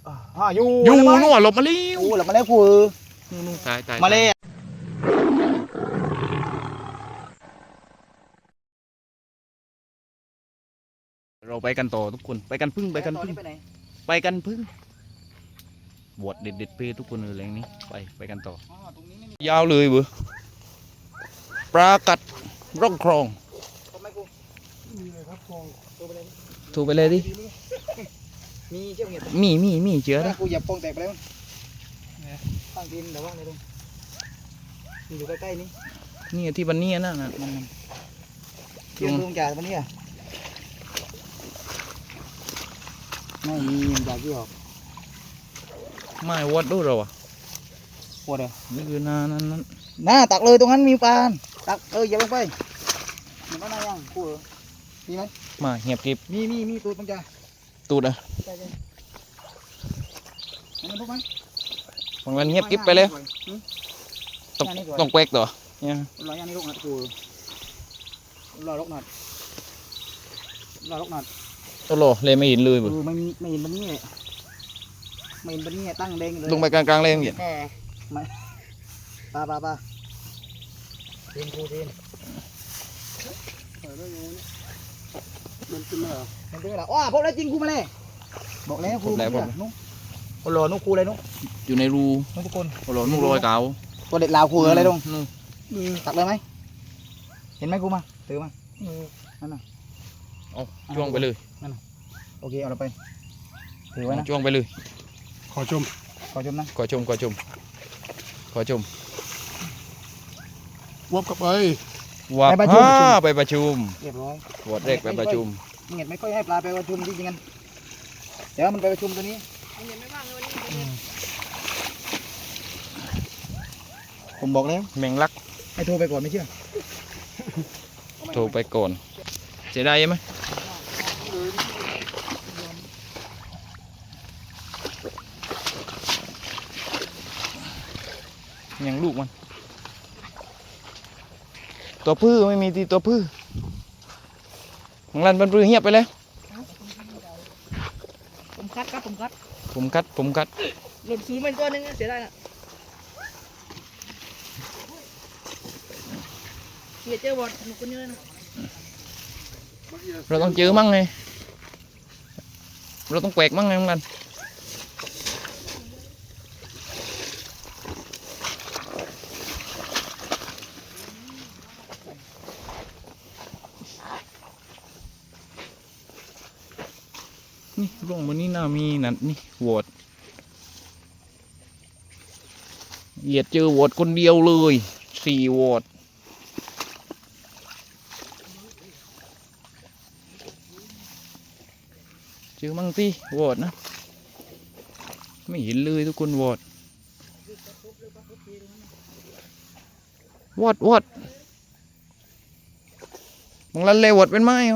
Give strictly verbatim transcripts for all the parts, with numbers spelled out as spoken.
อ่าอยู่อยู่นู่นหลบมาแล้วโอ้หลบมาแล้วกูนู่นตายตายมาเลยเราไปกันต่อทุกคนไปกันพึ่งไปกันพึ่งไปกันพึ่งบวชเด็ดเด็ดเพทุกคนเลยแรงนี้ไปไปกันต่อยาวเลยเบื่อปลากัดร่องคลองถูกไปเลยดิมีเชือกเห็ดมีมีมีเชื้อนะกูหยับปองแตกไปแล้วตั้งดินเดี๋ยวว่างเลยลุงมันอยู่ใกล้ๆนี่นี่ที่บันนี่นั่นน่ะมันเชือกลุงจ่าวันนี้อ่ะไม่มีมันจ่าที่ออกไม่วัดดูเราอ่ะปวดเหรอนี่คือนานั่นนั่นน่าตักเลยตรงนั้นมีปลาตักเอออย่าลงไปมันก็น่ายังกูเหรอมีไหมมาเหียบกิบมีมีมีตัวปังจ่าตูดอ่ะใช่ใช่มันทุกไหมบางวันเงียบกิบไปแล้วต้องต้องแปลกต่อเนี่ยรอยย่างนี่ลูกหนัดกูรอลูกหนัดรอลูกหนัดโอ้โหเลยไม่เห็นเลยเอเบื่ออไม่ไม่เห็นบันนี่ไม่เห็นบันนี่ตั้งแดงเลยลงไปกลางๆเลยอย่างเงี้ยไม่ปลาปลาปลาเทียนกูเทียนมันขึ้นมาเหรอมันขึ้นมาเหรออ้อพบแล้วจริงกูมาเลยบอกแล้วกูแล้วผมนุ๊กโอ้โหนุ๊กกูเลยนุ๊กอยู่ในรูนุ๊กทุกคนโอ้โหนุ่งรอยเก่าตัวเด็ดลาวกูอะไรนุ๊กนู่นตักเลยไหมเห็นไหมกูมาถือมานั่นน่ะเอาจ้วงไปเลยโอเคเอาเราไปถือไว้นะจ้วงไปเลยขอชมขอชมนะขอชมขอชมขอชมวับกลับไปว่าฮ่าไปประชุมเรียบร้อยบวชเด็กไปประชุมมึงเห็นไม่ค่อยให้ปลาไปประชุมจริงๆกันเดี๋ยวมันไปประชุมตัวนี้ผมบอกแล้วแมงลักให้โทรไปก่อนไม่เชื่อโทรไปก่อนเสียดายไหมยังลูกมันตัวพื้ไม่มีตีตัวพื้มังลันเป็นปลื้อเงียบไปแล้วผมคัดครับผมคัดผมคัดผมคัดหลุดศูนย์เป็นตัวหนึงเสียดายนะเกียเจอบอลหนุกคนเยอะนะเราต้องเจอมั่งไงเราต้องแกวกมั่งไงมังลันนี่ร่องบนนี้น่ามีนั่นนี่โหวตเหยียดเจอโหวตคนเดียวเลยสี่โหวตเจอมั่งสิโหวตนะไม่เห็นเลยทุกคนโหวตโหวตโหวตมังลันเลยโหวตเป็นไม้เหรอ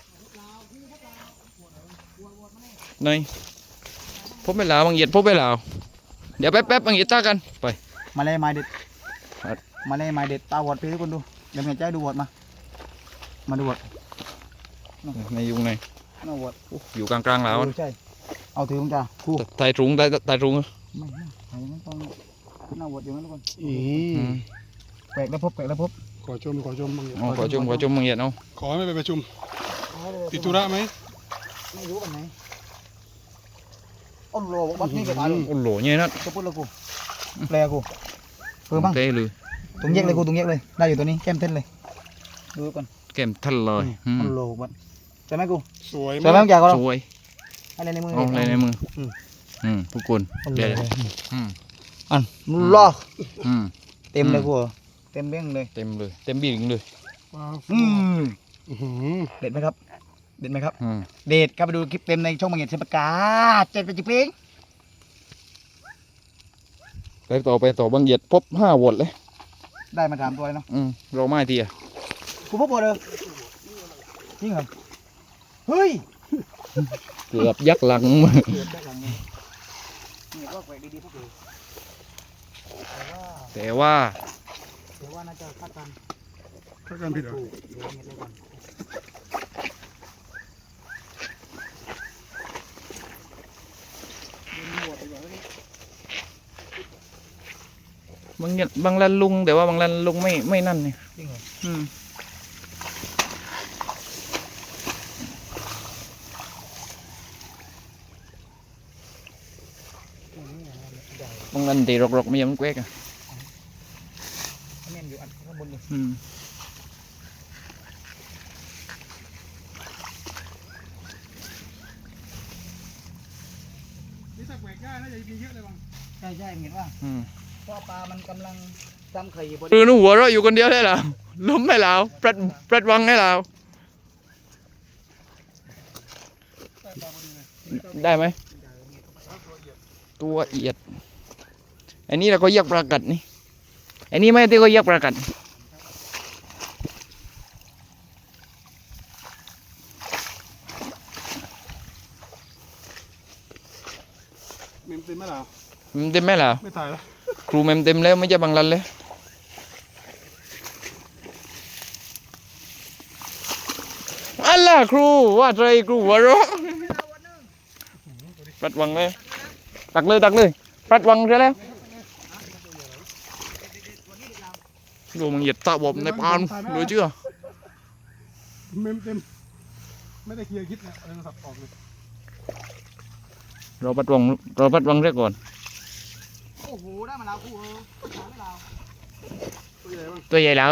ไหนพบไปแล้วบางเหยียดพบไปแล้วเดี๋ยวแป๊บแป๊บบางเหยียดจ้ากันไปมาเลยไม้เด็ดครับมาเลยไม้เด็ดตาบอดไปทุกคนดูเดี๋ยวเมียใจดูบอดมามาดูบอดในยุงในน่าบอดอยู่กลางกลางๆแล้วเออใช่เอาถือมึงจ้าคู่ไตตรุงไตไตตรุงเหรอไม่ไม่ไอ้นั่นต้องน่าบอดอยู่นั่นทุกคนอือืมมแปลกแล้วพบแปลกแล้วพบขอชมขอชมบางอย่างอ๋อขอชมขอชมบางเหยียดเอาขอให้ไม่ไปประชุมติดธุระไหมไม่รู้วันไหนอ้นโลบอกบัดนี่เกิดอะไรโอ้โหเนี่ยนะตัวพูดเลยกูแปลกูเพิ่มบ้างเต้เลยตรงแยกเลยกูตรงแยกเลยได้อยู่ตัวนี้แก้มเต้นเลยดูก่อนแก้มทันเลยอืมอ้นโลบัดใช่ไหมกูสวยใช่ไหมมากมึงอยากก็สวยอะไรในมือเอาอะไรในมืออมอืมทุกคนอ้นโลเดี๋ยวอืมอันล่ออืมเต็มเลยอืมกูเต็มเบ้งเลยเต็มเลยเต็มบีงเลยว้าวอืมอื้อหือเด็ดไหมครับเด็ดไหมครับอืมเด็ดครับไปดูคลิปเต็มในช่องมังเงียดเชฟกาเจ็ดเป็นจิเพลงไปต่อไปต่อบางเหยียดพบห้าโหวตเลยได้มาสามตัวเลยเนาะอืมเราไม่ทีอ่ะกูพบหมดเลยจริงเหรอเฮ้ยเกือบยักหลังมือเกือบได้หลังเลยนี่ก็แปลกดีๆพวกเลยแต่ว่าแต่ว่าแต่ว่าน่าจะคาดกันถ้าการผิดเหรอถูกเดี๋ยวเงียบเลยก่อนเบางอย่างบางรันลุงแต่ว่าบางรันลุงไม่ไม่นั่นเนี่ยจริงเหรออืมบางรันตีรกๆไม่ยอมแกวกอ่ะแม่นอยู่อันข้างบนนี่อืมนี่ถ้าแหวกได้น่าจะมีเยอะเลยบ้างใช่ใช่เห็นว่าอืมเพราะปลามันกำลังจำไข่อยู่บนคือหนูหัวเราะอยู่คนเดียวได้แล้วล้มให้เราปรัดปรัดวังให้เราใต้ตาพอดีเลยได้ไหมตัวเอียดอันนี้เราก็เรียกปลากัดนี่อันนี้ไม่ที่ก็เรียกปลากัดเมมเต็มไหมล่ะเมมเต็มไหมล่ะไม่ถ่ายแล้วครูเมมเต็มแล้วไม่ใช่บางรันเลยอัลล่ะครูว่าใจครูหัวเราะปรัดวังเลยตักเลยตักเลยปรัดวังใช่แล้วดูมึงเหยียดตาบอมในปานรู้เชื่อเมมเต็มไม่ได้เคลียร์คิดนะเอาโทรศัพท์ออกเลยเราปรัดวังเราปรัดวังเรียกก่อนโอ้โหได้มาแล้วกูเออหาไม่เราตัวใหญ่บ้างตัวใหญ่แล้ว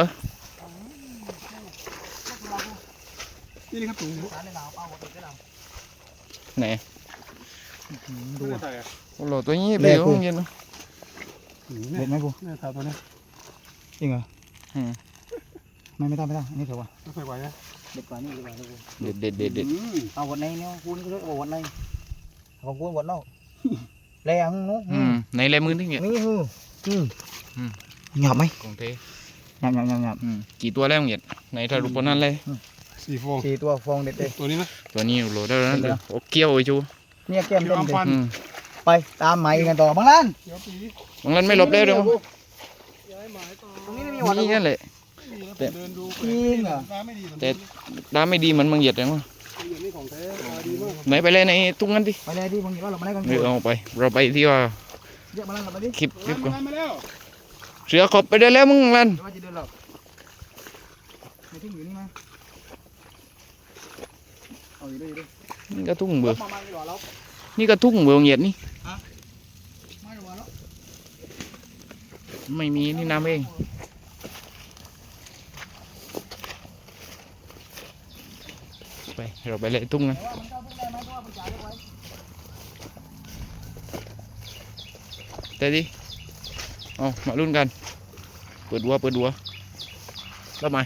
นี่นี่ครับถุงหาในเราเปล่าหมดเลยเราไหนดูถ่ายอ่ะโอ้โหตัวนี้เปรี้ยวเย็นเนาะเด็ดไหมกูเนี่ยถ่ายตัวนี้จริงเหรออืมไม่ไม่ต้องไม่ต้องอันนี้เถอะวะไม่ค่อยไหวนะเด็ดกว่านี่ดีกว่าลูกเด็ดเด็ดเด็ดเด็ดอืมเอาวันไหนเนี่ยคุณก็เรียกว่าวันไหนของคุณวันนอกแรงนู้อืมในลายมือที่เงี้ยนี่คืออืมอืมหยาบไหมของเทหยาบหยาบหยาบหยาบอืมกี่ตัวแล้วเงี้ยในทารุปนั้นเลยสี่ฟองสี่ตัวฟองเด็ดเลยตัวนี้นะตัวนี้โหลได้แล้วนะโอ้เกี้ยวไอ้ชูเนี่ยแก้มเต็มเลยอืมไปตามไหมกันต่อบางล้านเดี๋ยวปีบางนั้นไม่หลบได้หรอกย้ายหมายต่อตรงนี้ไม่มีหวัดนี่นั่นแหละไม่มีแล้วผมเดินดูจริงเหรอฟ้าไม่ดีเหมือนแต่เดิมน้ำไม่ดีเหมือนบางเหยียดเลยมั้งอย่างนี้ของแท้ตาดีมากไหนไปเลยในทุ่งนั้นดิไปเลยที่บางทีว่าเรามาได้กันเออเอาไป เราไปที่ว่าเยอะมาแล้วเราไปดิคลิปคลิปก่อนมามาแล้วเสือขอบไปได้แล้วมึงลันเดี๋ยวว่าจะเดินหรอกไม่ทิ้งอยู่นี่มั้ยเอาอยู่ด้วยอยู่ด้วยนี่ก็ทุ่งเบื่อมามาดีกว่าเรานี่ก็ทุ่งเบื่อบางเหยียดนี่ไม่ดีกว่าแล้วไม่มีนี่น้ำเองไปเราไปเลยทุ่งนั้นแต่ว่ามันเข้าพุ่งได้ไหมเพราะว่ามันจ่ายเรียกไว้แต่ดิเอามาลุ้นกันเปิดดัวเปิดดัวแล้วไหม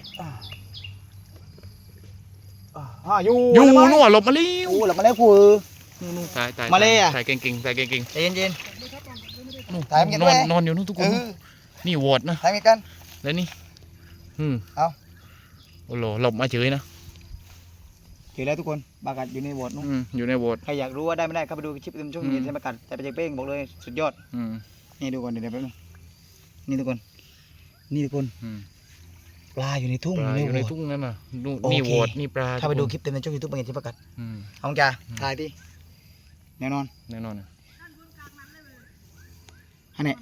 อ่าอยู่อยู่แล้วมั้ยนู่นหลบมาเร็วโอ้หลับมาแล้วกูนู่นนู่นถ่ายถ่ายมาเลยอะถ่ายเก่งๆถ่ายเก่งใจเย็นๆนู่นถ่ายมันกันนด้อวยนนอนอยู่นู่นทุกๆคเอน อนี่วอดนะถ่ายกันแล้วนี่อืมเอาโอ้โหหลบมาเฉยนะเจอแล้วทุกคนบากัดอยู่ในโบสถ์นู้นอืมอยู่ในวอดใครอยากรู้ว่าได้ไม่ได้เข้าไปดูคลิปเต็มช่วงอืมเย็นใช่ไหมกัดแต่ไปเจเป้งบอกเลยสุดยอดอืมนี่ดูก่อนเดี๋ยวเดี๋ยวแป๊บนึงนี่ทุกคน นี่ทุกคนอืมปลาอยู่ในทุ่งปลาอยู่ในโบสถ์ทุ่งนั่นน่ะนู่นโอเคนี่วอดนี่ปลาถ้าไปดูทุกคลิปเต็มในช่องยูทูบบางอย่างที่ประกาศอืมเอาจ้าอืมถ่ายดิแน่นอนแน่นอนนะอันนี้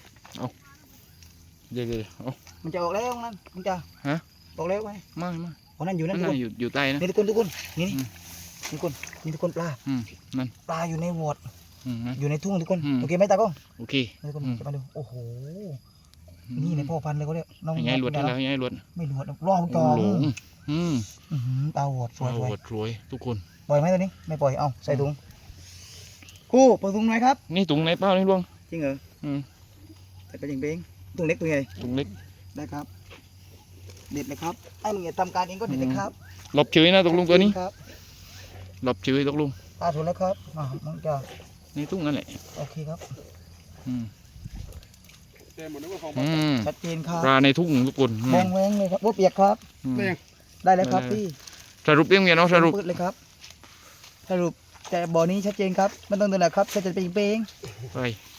เดี๋ยวเดี๋ยวเอามันจะออกแล้วนั่นมันจะฮะออกแล้วไงไม่ไม่อ๋อนั่นอยู่นั่นั่นนทุกคนน่ะอยู่อยู่ใต้นะนี่ทุกคนทุกคนนี่นี่อืมนี่ทุกคนนี่ทุกคนปลาอืมนั่นปลาอยู่ในโบสถ์อืมนั่นอยู่ในทุ่งทุกคนอืมโอเคไหมตากล้องโอเคนี่ทุกคนอืมจะมาดูโอ้โหนี่ในพ่อพันธุ์เลยเขาเรียกน้องให้ยายหลวดให้นะแล้วให้ยายหลวดไม่หลวดรอบจโอ้อโหลงอืมอื้อหือตาโหดสวยโอ้สวยโหรวยทุกคนปล่อยไหมตัวนี้ไม่ปล่อยเอาใส่ถุงคู่เปิดถุงหน่อยครับนี่ถุงไหนเปล่านี่ลวงจริงเหรออืมใส่ไปจริงเป้งถุงเล็กตัวใหญ่ถุงเล็กได้ครับ เด็ดเลยครับไอ้มึงอย่าทำการเองก็เด็ดเลยครับหลบเฉยนะตกลงตัวนี้ครับหลบเฉยตกลงปลาถูกแล้วครับอ่ามึงจะในทุ่งนั่นแหละโอเคครับอืมแต่หมดแล้วก็ของอืมชัดเจนครับปลาในทุ่งทุกคนอืมมองแวงเลยครับว่าเปียกครับอืมได้ยังได้แล้วครับได้พี่สรุปเรื่องเมียน้องสรุปปืดเลยครับ สรุปแต่บ่อนี้ชัดเจนครับไม่ต้องเดินหรอกครับแค่จะเป็นเป้งไป